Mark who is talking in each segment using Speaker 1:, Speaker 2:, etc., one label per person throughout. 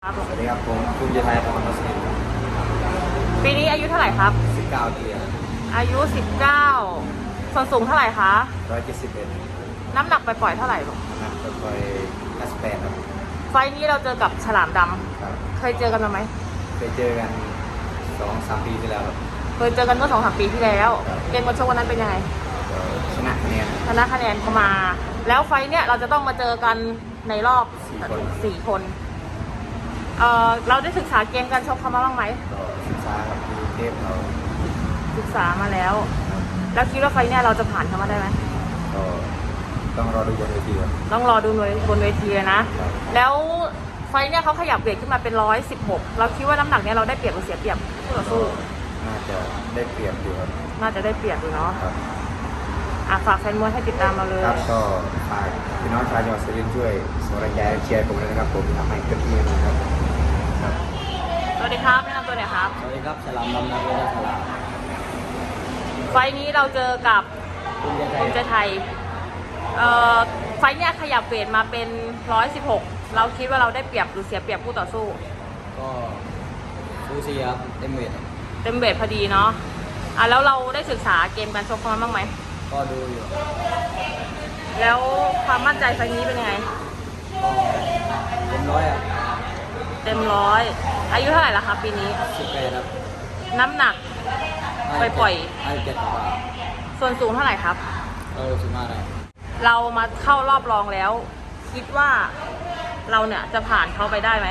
Speaker 1: ครับ
Speaker 2: สวัสดีครับผมคุณยไทยของมัสยิดครับ
Speaker 1: ปีนี้อายุเท่าไหร่ครับ
Speaker 2: 19ปีครับ
Speaker 1: อายุ19ส่วนสูงเท่าไหร่คะ
Speaker 2: 171
Speaker 1: น้ำหนักไปปล่อยๆเท่าไหร่ลูก
Speaker 2: นักไป58ครับ
Speaker 1: ไฟล์นี้เราเจอกับฉลามด
Speaker 2: ครับ
Speaker 1: ำเคยเจอกันมาไหม
Speaker 2: เคยเจอกัน2-3 ปีที่แล้วครับ
Speaker 1: เคยเจอกันเมื่อ2-3 ปีที่แล้วเกมการชกวันนั้นเป็นยังไง
Speaker 2: ก็ชนะคะแนน
Speaker 1: เข้ามาแล้วไฟล์เนี้ยเราจะต้องมาเจอกันในรอบ4 คนเราได้ศึกษาเกมการชกเขามาบ้างไหม
Speaker 2: ก็ศึกษาครับดูเทปเรา
Speaker 1: ศึกษามาแล้วแล้วคิดว่าไฟล์เนี้ยเราจะผ่านเขามาได้ไหม
Speaker 2: ก็ต้องรอดูบนเวทีครับ
Speaker 1: ต้องรอดูบนเวทีนะแล้วไฟล์เนี่ยเขาขยับเวทขึ้นมาเป็น116เราคิดว่าน้ำหนักเนี่ยเราได้เปรียบหรือเสียเปรียบคู่ต่อสู้
Speaker 2: น่าจะได้เปรียบอยู่ครับ
Speaker 1: น่าจะได้เปรียบอยู่เนาะ
Speaker 2: ครับ
Speaker 1: ฝากแฟนมวยให้ติดตามเราเลย
Speaker 2: ครับก็ฝากพี่น้องชาวจังหวัดสุรินทร์ช่วยส่งแรงใจเชียร์ผมเลยนะครับผมทำให้เต็มที่นะครับ
Speaker 1: สวัสดีครับแนะนำตัวหน่อยครับ
Speaker 2: สวัสดีครับฉลามดำนะเวลาฉลาม
Speaker 1: ไฟล์นี้เราเจอกับภูมิใจไทยไฟล์เนี่ยขยับเวทมาเป็น116เราคิดว่าเราได้เปรียบหรือเสียเปรียบคู่ต่อสู้
Speaker 2: ก็ซูซีครับเต็มเวท
Speaker 1: พอดีเนาะแล้วเราได้ศึกษาเกมการชกเขามาบ้างไหม
Speaker 2: ก็ดูอยู่
Speaker 1: แล้วความมั่นใจไฟล์นี้เป็นยังไง
Speaker 2: เต็มร้อยครับ
Speaker 1: เต็มร้อยอายุเท่าไหร่ละครับปีนี้
Speaker 2: 18ครับ
Speaker 1: น้ำหนักไปปล่อย
Speaker 2: 57กว่า
Speaker 1: ส่วนสูงเท่าไหร่ครับ
Speaker 2: 15ได้
Speaker 1: เรามาเข้ารอบรองแล้ว คิดว่าเราเนี่ยจะผ่านเขาไปได้ไหม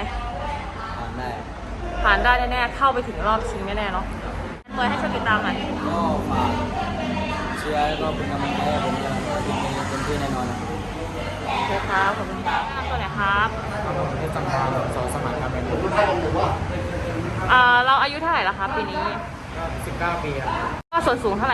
Speaker 1: ผ่านได้แน่ๆเข้าไปถึงรอบชิงแน่ๆเนาะเปิดให้ช่วยติดตามหน่อย
Speaker 2: ก็ฝากเชียร์ก็เป็นกำลังใจให้ผมจะทีมนี้เต็มที่แน่นอน
Speaker 1: โอเคครับขอบคุณครับตัวไหนครับ
Speaker 2: ให้สัมภาษณ์สองสมัครครับเป็น
Speaker 1: เราอายุเท่าไหร่ละครับปีนี้
Speaker 2: 19ปีครับ
Speaker 1: ก็ส่วนสูงเท่าไหร่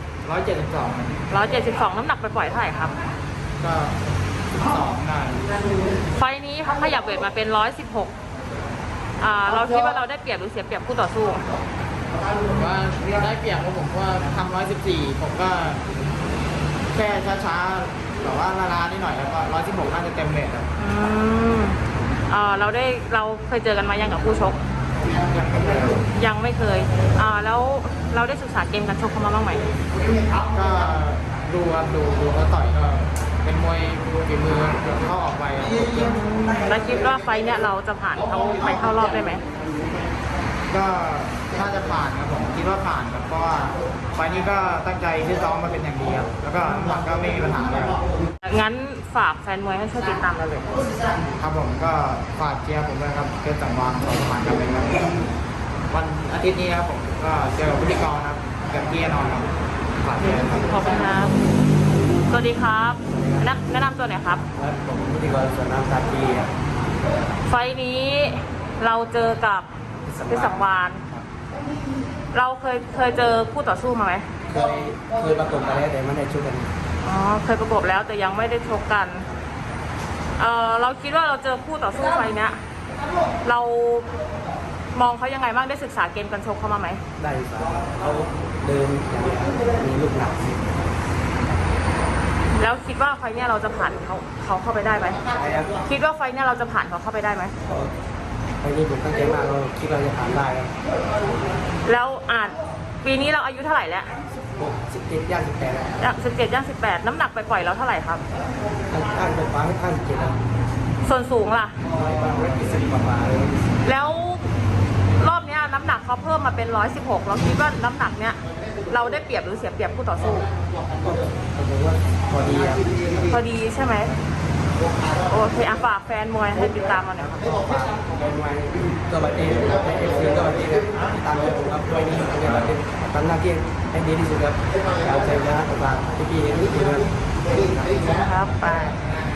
Speaker 2: 172
Speaker 1: น้ำหนักไปปล่อยเท่าไหร่ครับ
Speaker 2: ก็12ได้
Speaker 1: ไฟนี้เขาขยับเวทมาเป็น116เราคิดว่าเราได้เปรียบหรือเสียเปรียบคู่ต่อสู้
Speaker 2: ผมว่าได้เปรียบเพราะผมว่าทำ114ผมก็แค่ช้าๆแต่ว่าลาๆนิดหน่อยแล้วก็116น่าจะเต็มเวทครับ
Speaker 1: เราเคยเจอกันมายังกับคู่ชกยังไม่เคยแล้วเราได้ศึกษาเกมการชกเขามาบ้างไหม
Speaker 2: ก็ดูเขาต่อยก็เป็นมวยฝีมือเข้าออกไป
Speaker 1: แล้วคิดว่าไฟเนี่ยเราจะผ่านเขาไปเข้ารอบได้ไหม
Speaker 2: ก็น่าจะผ่านครับผมคิดว่าผ่านครับเพราะว่าไฟนี้ก็ตั้งใจที่ซ้อมมาเป็นอย่างดีครับแล้วก็น้ำหนักก็ไม่มีปัญหาเลย
Speaker 1: งั้นฝากแฟนมวยให้ช่วยติดตามเราเลย
Speaker 2: ครับผมก็ฝากเชียร์ผมด้วยครับเกิดจังหวะสองผ่านกันเลยครับวันอาทิตย์นี้ครับผมก็เจอพิธีกรครับเกิดที่แน่นอนครับฝากเชียร์ครับ
Speaker 1: ขอบคุณครับสวัสดีครับแนะนำตัวหน่อยครับ
Speaker 2: ผมพิธีกรสวนน้ำตาปีครับ
Speaker 1: ไฟนี้เราเจอกับเพชรสังวาลเราเคยเจอคู่ต่อสู้มาไหม
Speaker 2: เคยประกบกันแล้วแต่ไม่ได้ชกกัน
Speaker 1: เคยประกบแล้วแต่ยังไม่ได้ชกกันเราคิดว่าเราเจอคู่ต่อสู้ไฟเนี้ยเรามองเขายังไงบ้างได้ศึกษาเกมการชกเขามาไหม
Speaker 2: ได้ครับเขาเดินอย่างมีลูกหนัก
Speaker 1: แล้วคิดว่าไฟเนี้ยเราจะผ่านเขาเข้าไปได้ไหมคิดว่าไฟเนี้ยเราจะผ่านเขาเข้าไปได้ไหม
Speaker 2: ไฟนี้ผมตั้งใจมากเราคิดเราจะผ่านได้ครับ
Speaker 1: แล้วปีนี้เราอายุเท่าไหร่แล้ว
Speaker 2: 17ย่าง18แล้ว
Speaker 1: 17ย่าง18น้ำหนักไปปล่อยเราเท่าไหร่ครับ
Speaker 2: ข้างเป็นฟ้าให้ข้าง17ครับ
Speaker 1: ส่วนสูงล่ะ
Speaker 2: 120กว่า
Speaker 1: แล้วรอบนี้น้ำหนักเขาเพิ่มมาเป็น116เราคิดว่าน้ำหนักเนี้ยเราได้เปรียบหรือเสียเปรียบคู่ต่อสู้
Speaker 2: ผมว่าพอดีครับ
Speaker 1: พอดีใช่ไหมโอเคฝากแฟนมวยให้ติดตามมาหน่อยครับ
Speaker 2: ฝากแฟนมวยตัวบัตรเองในFCตัวบัตรเองครับติดตามเลยผมครับด้วยนี้ตัวบัตรเองทำหน้าที่ให้ดีที่สุดครับอยากใจนะฝากพี่ๆนิดนึง
Speaker 1: ครับไป